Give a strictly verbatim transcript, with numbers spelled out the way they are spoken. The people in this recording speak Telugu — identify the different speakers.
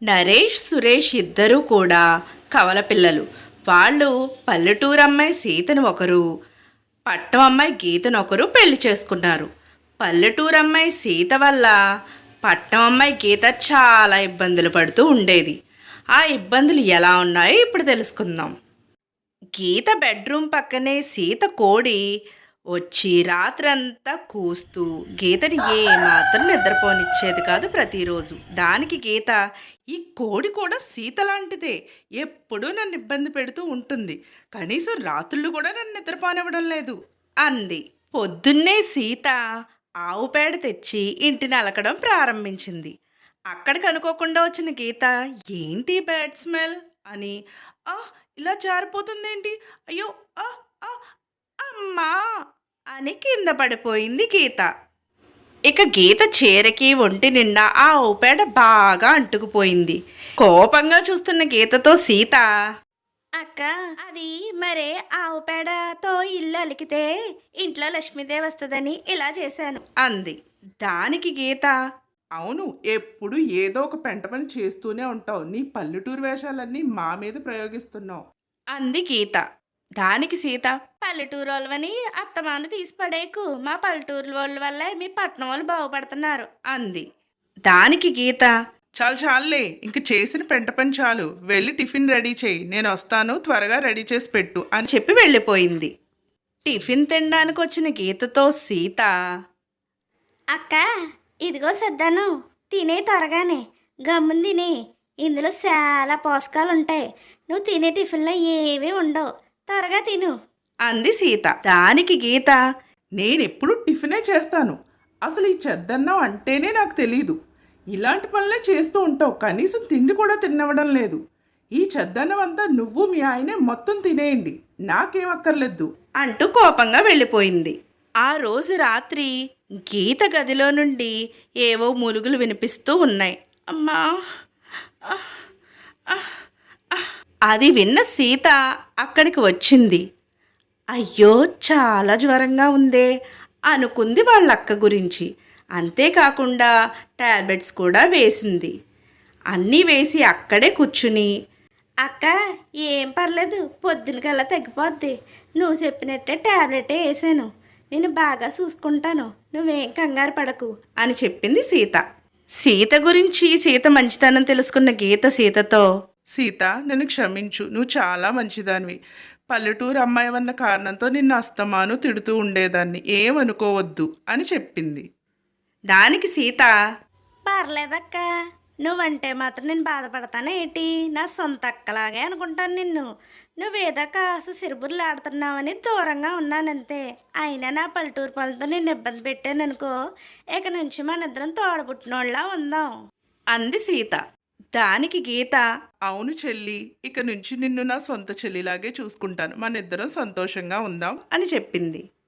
Speaker 1: నరేష్ సురేష్ ఇద్దరూ కూడా కవల పిల్లలు. వాళ్ళు పల్లెటూరు అమ్మాయి సీతను ఒకరు, పట్టం అమ్మాయి గీతను ఒకరు పెళ్లి చేసుకున్నారు. పల్లెటూరు అమ్మాయి సీత వల్ల పట్టం అమ్మాయి గీత చాలా ఇబ్బందులు పడుతూ ఉండేది. ఆ ఇబ్బందులు ఎలా ఉన్నాయో ఇప్పుడు తెలుసుకుందాం. గీత బెడ్రూమ్ పక్కనే సీత కోడి వచ్చి రాత్రంతా కూస్తూ గీతని ఏమాత్రం నిద్రపోనిచ్చేది కాదు ప్రతిరోజు. దానికి గీత, ఈ కోడి కూడా సీత లాంటిదే, ఎప్పుడూ నన్ను ఇబ్బంది పెడుతూ ఉంటుంది, కనీసం రాత్రుళ్ళు కూడా నన్ను నిద్రపోనివ్వడం లేదు అంది. పొద్దున్నే సీత ఆవు పేడ తెచ్చి ఇంటిని అలకడం ప్రారంభించింది. అక్కడికి అనుకోకుండా వచ్చిన గీత, ఏంటి బ్యాడ్ స్మెల్ అని, ఆ ఇలా జారిపోతుందేంటి, అయ్యో ఆ ఆ అమ్మా అని కింద పడిపోయింది గీత. ఇక గీత చీరకి ఒంటి నిండా ఆ ఊపేడ బాగా అంటుకుపోయింది. కోపంగా చూస్తున్న గీతతో సీత,
Speaker 2: అక్క, అది మరే ఆవు పేడతో ఇల్లు అలికితే ఇంట్లో లక్ష్మీదేవి వస్తుందని ఇలా చేశాను
Speaker 1: అంది. దానికి గీత,
Speaker 3: అవును, ఎప్పుడు ఏదో ఒక పెంట పని చేస్తూనే ఉంటావు. నీ పల్లెటూరు వేషాలన్నీ మా మీద ప్రయోగిస్తున్నావు
Speaker 1: అంది గీత. దానికి సీత,
Speaker 2: పల్లెటూరు వాళ్ళని అత్తమాను తీసి పడేకు, మా పల్లెటూరు వాళ్ళ వల్ల మీ పట్టణం వాళ్ళు బాగుపడుతున్నారు
Speaker 1: అంది. దానికి గీత,
Speaker 3: చాలు చాలులే, ఇంక చేసిన పెంట పని చాలు, వెళ్ళి టిఫిన్ రెడీ చేయి, నేను వస్తాను, త్వరగా రెడీ చేసి పెట్టు అని
Speaker 1: అని చెప్పి వెళ్ళిపోయింది. టిఫిన్ తినడానికి వచ్చిన గీతతో సీత,
Speaker 2: అక్క, ఇదిగో సర్దాను, తినే త్వరగానే, గమ్మున తినే, ఇందులో చాలా పోషకాలు ఉంటాయి, నువ్వు తినే టిఫిన్లో ఏమీ ఉండవు, త్వరగా తిను
Speaker 1: అంది సీత. దానికి గీత,
Speaker 3: నేనెప్పుడు టిఫినే చేస్తాను, అసలు ఈ చెద్దన్నం అంటేనే నాకు తెలీదు, ఇలాంటి పనులే చేస్తూ ఉంటావు, కనీసం తిండి కూడా తినవడం లేదు, ఈ చెద్దన్నం అంతా నువ్వు మీ ఆయనే మొత్తం తినేయండి, నాకేం అక్కర్లేదు
Speaker 1: అంటూ కోపంగా వెళ్ళిపోయింది. ఆ రోజు రాత్రి గీత గదిలో నుండి ఏవో మూలుగులు వినిపిస్తూ ఉన్నాయి. అమ్మా ఆహ్, ఆహ్, ఆహ్. అది విన్న సీత అక్కడికి వచ్చింది. అయ్యో, చాలా జ్వరంగా ఉందే అనుకుంది వాళ్ళ అక్క గురించి. అంతేకాకుండా టాబ్లెట్స్ కూడా వేసింది. అన్నీ వేసి అక్కడే కూర్చుని,
Speaker 2: అక్క, ఏం పర్లేదు, పొద్దునకల్లా తగ్గిపోద్ది, నువ్వు చెప్పినట్టే టాబ్లెటే వేసాను, నేను బాగా చూసుకుంటాను, నువ్వేం కంగారు పడకు
Speaker 1: అని చెప్పింది సీత. సీత గురించి సీత మంచితనం తెలుసుకున్న గీత సీతతో,
Speaker 3: సీత, నన్ను క్షమించు, నువ్వు చాలా మంచిదానివి, పల్లెటూరు అమ్మాయి అన్న కారణంతో నిన్ను అస్తమాను తిడుతూ ఉండేదాన్ని, ఏమనుకోవద్దు అని చెప్పింది.
Speaker 1: దానికి సీత,
Speaker 2: పర్లేదక్క, నువ్వంటే మాత్రం నేను బాధపడతానే ఏంటి, నా సొంత అక్కలాగే అనుకుంటాను నిన్ను, నువ్వేదో కాస్త సిరుబుర్లు ఆడుతున్నావని దూరంగా ఉన్నానంతే, అయినా నా పల్లెటూరు పనులతో నేను ఇబ్బంది పెట్టాననుకో, ఇక నుంచి మన ఇద్దరం తోడబుట్టినోళ్ళ ఉందాం
Speaker 1: అంది సీత. దానికి గీత,
Speaker 3: అవును చెల్లి, ఇక నుంచి నిన్ను నా సొంత చెల్లిలాగే చూసుకుంటాను, మన ఇద్దరం సంతోషంగా ఉందాం
Speaker 1: అని చెప్పింది.